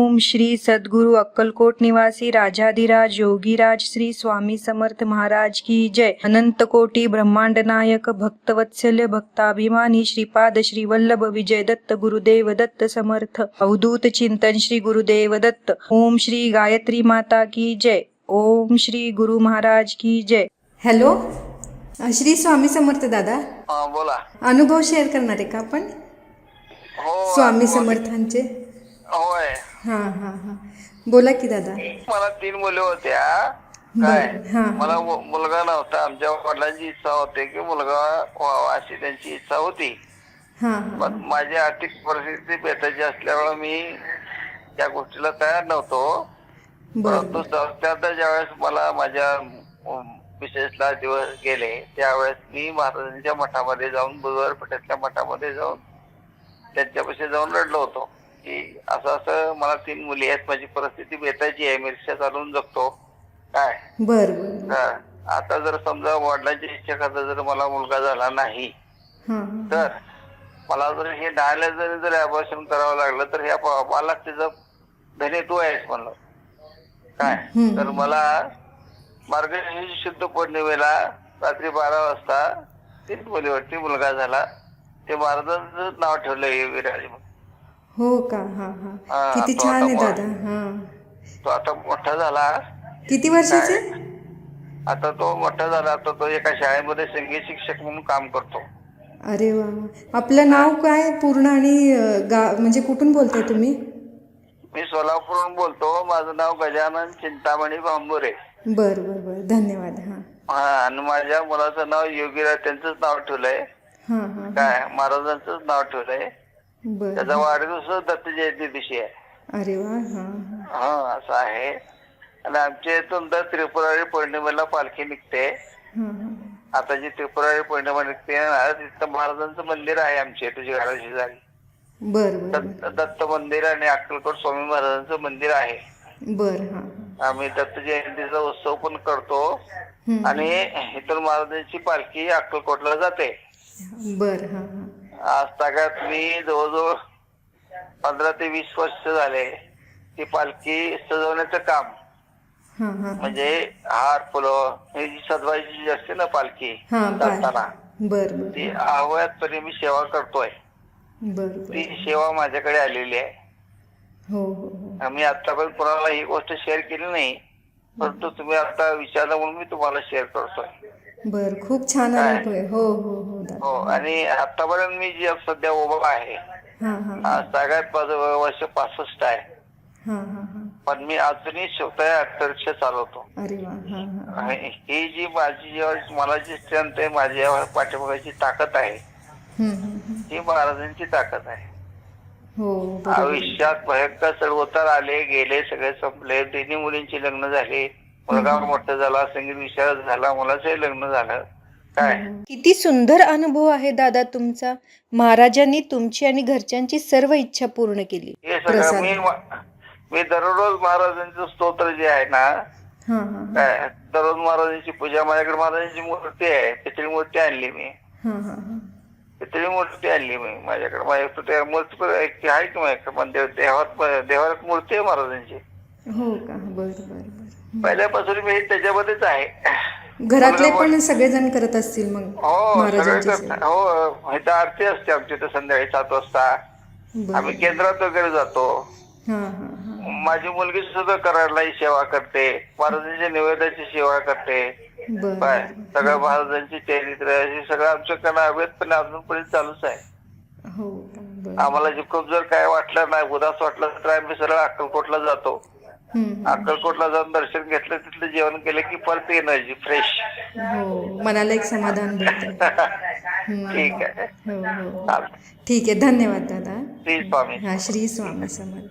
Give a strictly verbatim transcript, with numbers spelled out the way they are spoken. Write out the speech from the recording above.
ओम श्री सद्गुरु अक्कलकोट निवासी राजाधिराज योगीराज श्री स्वामी समर्थ महाराज की जय। अनंत कोटी ब्रह्मांड नायक भक्तवत्सल्य भक्ताभिमानी श्रीपाद श्री वल्लभ विजय दत्त गुरुदेव दत्त समर्थ अवधूत चिंतन श्री गुरुदेव दत्त। ओम श्री गायत्री माता की जय। ओम श्री गुरु महाराज की जय। हॅलो, श्री स्वामी समर्थ दादा, हा बोला. अनुभव शेअर करणार आहे का आपण? हो, स्वामी समर्थांचे. होय. हा हा हा बोला की दादा. मला तीन मुले होत्या. काय बरं, हा, मला मु- मुलगा नव्हता. आमच्या वडिलांची इच्छा होती की मुलगा व्हावा अशी त्यांची इच्छा होती. हा हा पण माझी आर्थिक परिस्थिती भेटायची असल्यामुळे मी त्या गोष्टीला तयार नव्हतो. बरं परंतु त्यानंतर ज्यावेळेस मला माझ्या विशेषला दिवस गेले त्यावेळेस मी महाराजांच्या मठामध्ये जाऊन बुधवार पेठेतल्या मठामध्ये जाऊन त्यांच्यापाशी जाऊन रडलो होतो की असं असं मला तीन मुली आहेत, माझी परिस्थिती भेटायची आहे, मी रिक्षा चालवून जगतो. काय बर बर हा, आता जर समजा वडिलांची इच्छा करता जर मला मुलगा झाला नाही हा तर मला जर हे न्यायालयात जरी जर अबॉर्शन करावं लागलं तर ह्या मला त्याचं धने तू आहेस म्हणलं. काय तर मला मार्गशीर्ष शुद्ध पौर्णिमेला रात्री बारा वाजता तीन मुलीवरती मुलगा झाला. ते महाराजांचं नाव ठेवलं विराज. हो का? हा हा हा, किती तो छान आता आहे मोठा- दादा. हा तो आता मोठा झाला. किती वर्षाचे? आता तो मोठा झाला. आता तो एका शाळेमध्ये संगीत शिक्षक म्हणून काम करतो. अरे वा वा. आपलं नाव काय पूर्ण आणि अ, गा म्हणजे कुठून बोलताय तुम्ही? मी सोलापूरहून बोलतो. माझं नाव गजानन चिंतामणी भांबुरे. बर बर बर धन्यवाद. हा हा, आणि माझ्या मुलाचं नाव योगीराज, त्यांचंच नाव ठेवलंय. हा हा काय महाराजांचंच नाव ठेवलंय. बर. त्याचा वाढदिवस दत्त जयंती दिवशी आहे. अरे वा. हा हा हा, असं आहे. आणि आमच्या इथून दर त्रिपुरारी पौर्णिमेला पालखी निघते. हा हा आता जी त्रिपुरारी पौर्णिमा निघते ना तिथं महाराजांचं मंदिर आहे आमच्या तुझ्या घराची जागी. बर बर दत्त दत्त मंदिर आणि अक्कलकोट स्वामी महाराजांचं मंदिर आहे. बर. हा आम्ही दत्त जयंतीचा उत्सव पण करतो. हम्म. आणि इथून महाराजांची पालखी अक्कलकोटला जाते. बर. हा हा आज तागात मी जवळजवळ पंधरा ते वीस वर्ष झाले ती पालखी सजवण्याचं काम, हा हा म्हणजे हार फुलं ही जी सजवायची जी असते ना पालखी हा जाताना बर बर ती आव्यातपणे मी सेवा करतोय. बर ती बर. सेवा माझ्याकडे आलेली आहे. हो हो हो आम्ही आतापर्यंत कोणाला ही गोष्ट शेअर केली नाही, परंतु तुम्ही आता विचारलं म्हणून मी तुम्हाला शेअर करतोय. बर. खूप छान अनुभव आहे. हो हो हो दादा. हो, आणि आतापर्यंत मी जे सध्या उभा आहे हा हा आज सगळ्यात माझं वय वर्ष पासष्ट आहे. हा हा हा पण मी अजूनही स्वतः अक्षरशः चालवतो. अरे वा. हा हा आणि ही जी माझी जेव्हा मला जी स्ट्रेंथ आहे, माझ्या पाठीमागाची ताकद आहे, हम्म, हम्म, हम्म. ही महाराजांची ताकद आहे. हो बरोबर. आयुष्यात भयंकर चढउतार आले गेले, सगळे संपले. तिन्ही मुलींची लग्न झाली, मुलगा मोठा झाला, संगीत विशारद झाला, मुलाचंही लग्न झालं. काय किती सुंदर अनुभव आहे दादा तुमचा. महाराजांनी तुमची आणि घरच्यांची सर्व इच्छा पूर्ण केली. हे सगळं मी मी दररोज महाराजांचं स्तोत्र जे आहे ना, हा हा काय दररोज महाराजांची पूजा. माझ्याकडे महाराजांची मूर्ती आहे, पितळी मूर्ती आणली मी. हा हा हा पितळी मूर्ती आणली मी माझ्याकडे. माझ्याकडे मूर्ती पण एक आहे की माझ्याकडे, पण देव- देवात देवात मूर्ती आहे महाराजांची. हो का? बर बर बर. पहिल्यापासून मी त्याच्यामध्येच आहे. घरातले पण सगळेजण करत असतील मग हो, सगळे महाराजांची सेवा? करतात. हो, इथं आरती असते आमच्या इथं संध्याकाळी सात वाजता. बर. आम्ही केंद्रात वगैरे जातो. हा हा हा माझी मुलगी सुद्धा कराडलाही सेवा करते, महाराजांच्या निवेदाची सेवा करते. बर काय सगळं महाराजांची चरित्र हे सगळं आमच्याकडे अवेदपणे अजूनपर्यंत चालूच आहे. हो का? बर. आम्हाला जे खूप जर काय वाटलं नाही, उदास वाटलं तर आम्ही सरळ अक्कलकोटला जातो. हम्म. अक्कलकोटला जाऊन दर्शन घेतलं, तिथलं जेवण केलं की परत एनर्जी फ्रेश. हो, मनाला एक समाधान भेटतं. हम्म. ठीक आहे. हो हो चालतंय. ठीक आहे. धन्यवाद दादा. श्री स्वामी. हा, श्री स्वामी समर्थ.